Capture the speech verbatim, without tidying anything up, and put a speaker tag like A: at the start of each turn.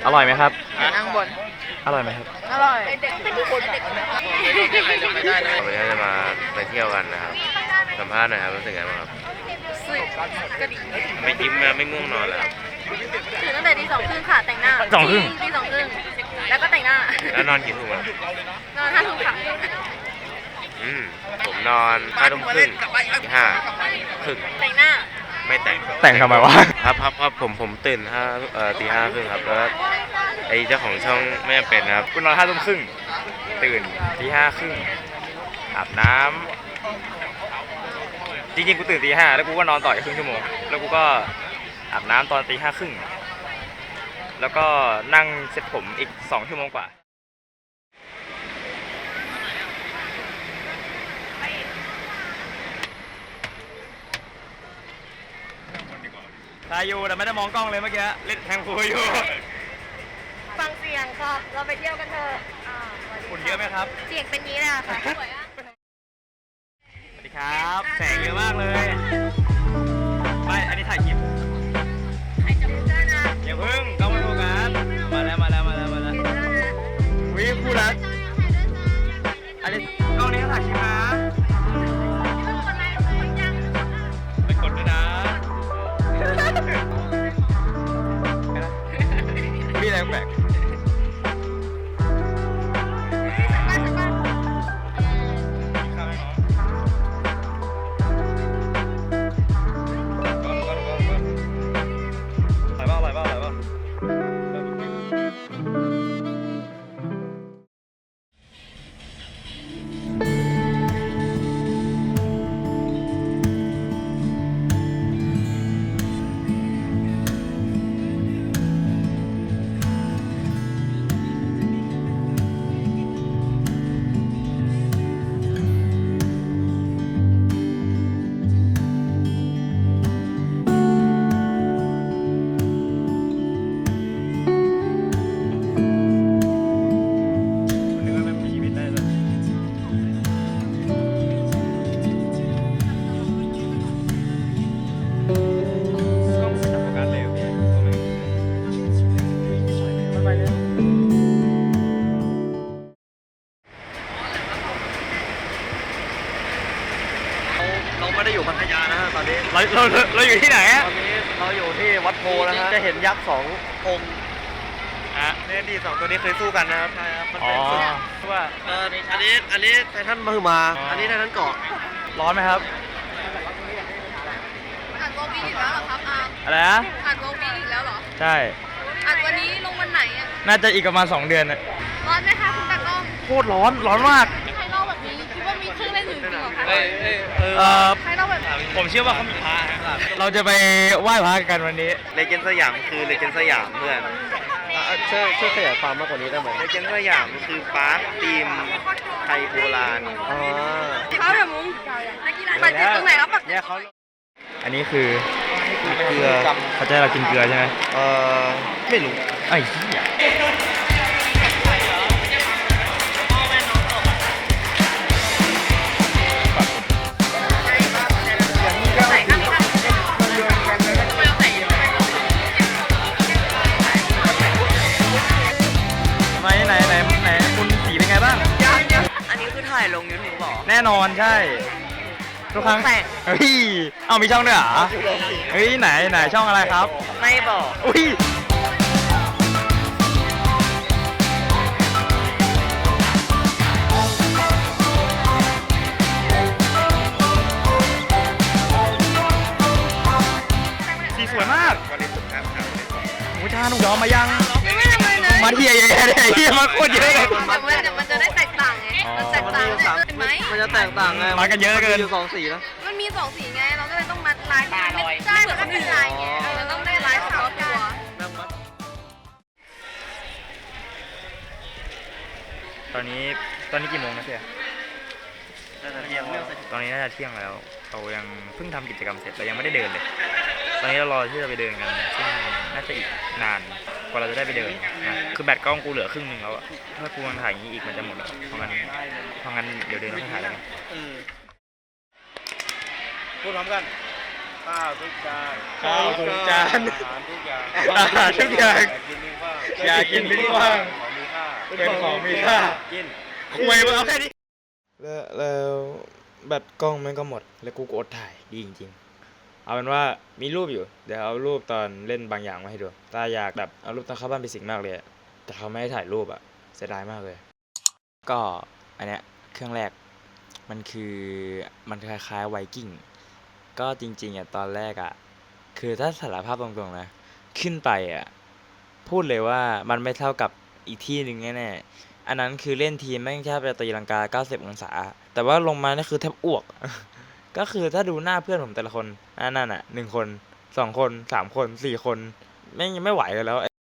A: อร่อยไหมครับ
B: นั่งบน
A: อร่อยไหมครับ
B: อร่อยเด็กเป็นทุกคนแบบ
C: วันนี้จะมาไปเที่ยวกันนะครับสัมภาษณ์หน่อยครับรู้สึกไงบ้างครับ
B: สึกกระดิ่ง
C: ไม่ยิ้มนะไม่ง่วงนอนเลยครับ
B: ตื่นตั้งแต่ตีสองครึ่งค่ะแต่งหน้า
A: สองครึ่ง
B: ตีสองครึ่งแล้วก็แต่งหน้า
C: แล้วนอนกี่ทุ่มครับ
B: นอนห้าทุ่มค่ะ
C: อืมผมนอนห้าทุ่มครึ่งตีห้าครึ่ง
B: แต่งหน้า
C: ไม่แต่ง
A: แต่งทำไมวะ
C: ครับครับครับผมผมตื่นห้าเอ่อตีห้าครึ่งครับแล้วไอ้เจ้าของช่องไม่จำเป็นครับ
A: กูนอนห้าทุ่มครึ่งตื่นตีห้าครึ่งอาบน้ำจริงๆกูตื่นตีห้าแล้วกูก็นอนต่ออีกครึ่งชั่วโมงแล้วกูก็อาบน้ำตอนตีห้าครึ่งแล้วก็นั่งเซ็ตผมอีกสองชั่วโมงกว่าตายอยู่แต่ไม่ได้มองกล้องเลยเมื่อกี้เล่นแทงคุยอยู่
B: ฟังเสียงค่ะเราไปเที่ยวกันเถอะ
A: ฝุ่นเยอะไหมครับ
B: เสียงเป็นนี้แหละค่ะสวยอ่ะ
A: สวัสดีครับแสงเยอะมากเลยไม่อันนี้ถ่ายคลิป
B: ถ่ายจับมือกันนะ
A: อย่าพึ่งกล้องไม่โฟกัสมาแล้วมาแล้วมาแล้วมาแล้ววิวคู่รักอันนี้กล้องนี้ถ่ายคลิปนะไปกดด้วยนะมีอะไรแปลกเราไม่ได้อยู่พัทยานะฮะตอนนี้เราเราเราอยู่ที่ไหนฮะตอนนี้เราอยู่ที่วัดโพนะฮะจะเห็นยักษ์สององค์อ่ะเนี่ยดีสองตัวนี้เคยสู้กันนะครับใช่ครับมันเป็นสุดว่าเอออันนี้อันนี้ไททันมหึมาอันนี้ไททันเกาะร้อนไหมครับ
B: อ่านโมบีอีกแล้วเหรอครับอา
A: อะไรนะ
B: อ่านโมบีอีกแล้วเหรอ
A: ใช่
B: อ่านวันนี้ลงวันไหนอ่ะ
A: น่าจะอีกประมาณสองเดือนน่ะ
B: ร้อนไหมคะคุณตากล้อง
A: โคตรร้อนร้อนมาก
B: ใครเล่าแบบนี้คิดว่ามีเครื่องเล่นอื่นจริงเหรอคะ
A: เออเออ
B: ใครเล่าแบบ
A: ผมเชื่อว่าเขามีพระเราจะไปไหว้พระกันวันนี้
C: เลเจนด์สยามคือเลเจนด์สยามเพื่อน
A: ช่วยช่วยขยายความมากกว่านี้ได้ไหม
C: เลเจนด์สยามคือปาร์คทีมไทยโบราณ
A: อ๋อ
B: เขาแบบมุ้งนักกีฬาปัจจุบันตรงไหนครับปัจจุบัน
A: อันนี้คือ
C: เกลือ
A: เขาจะให้เรากินเกลือใช่ไหม
C: เออไม่รู้
A: ไอ้เหี้ยไหนไหนไหนคุณสีเป็นไงบ้าง
B: อันนี้คือถ่ายลงยูทูบหรอ
A: แน่นอนใช่ทุกครั้งเฮ้ยเอามีช่องด้วยเหรอเฮ้ยไหนไหนช่องอะไรครับ
B: ไม่บอก
A: อุ้ยสีสวยมากหมูชาหนูยอมมายังมาเที่ยวยังไงเนี่ยเที่ยวมาโคตรเยอะเลย
B: มันจะได้แตกต่างไงมันแตกต่างเห็นไหม
C: มันจะแตกต่างไง
A: มากันเยอะเกิน
C: มีสองสีนะ
B: มันมีสองสีไงเราก็เลยต้องมัดลายไม่ใช่เหมือนกันเป็นลายไงเราต้องได้ลายขาวตัว
A: ตอนนี้ตอนนี้กี่โมงนะเพี่ยตอนนี้น่าจะเที่ยงแล้วเรายังเพิ่งทำกิจกรรมเสร็จเรายังไม่ได้เดินเลยตอนนี้เรารอที่จะไปเดินกันซึ่งน่าจะอีกนานกว่าเราจะได้ไปเดินนะคือแบตกล้องกูเหลือครึ่งหนึ่งแล้วอะถ้ากูยังถ่ายอย่างนี้อีกมันจะหมดแล้วเพราะงั้นเพราะงั้นเดี๋ยวเดินแล้วค่อยถ่ายแล้วกันพูดพร้อมกันข้าวทุกจาน
C: ข้าวทุกจาน
A: อาหารทุกอย่างอาหารทุกอย่างอย่ากินทิ้งกว้างเป็นของมีค่ากินคุยมาเอาแค่นี้
D: แล้วแล้วแบตกล้องมันก็หมดแล้วกูก็อดถ่ายดีจริงๆเอาเป็นว่ามีรูปอยู่เดี๋ยวเอารูปตอนเล่นบางอย่างมาให้ดูถ้าอยากแบบเอารูปตอนเข้าบ้านไปสิงมากเลยอะแต่เขาไม่ให้ถ่ายรูปอะเสียดายมากเลย ก็อันเนี้ยเครื่องแรกมันคือมันคล้ายๆไวกิ้งก็จริงๆอ่ะตอนแรกอ่ะคือถ้าสารภาพตรงๆนะขึ้นไปอ่ะพูดเลยว่ามันไม่เท่ากับอีกที่หนึ่งแน่ๆอันนั้นคือเล่นทีมแม่งแทบจะตีลังกาเก้าสิบองศาแต่ว่าลงมานี่คือแทบอ้วก ก็คือถ้าดูหน้าเพื่อนผมแต่ละคนนั่นน่ะหนึ่งคนสองคนสามคนสี่คนแม่งยังไม่ไหวกันแล้ว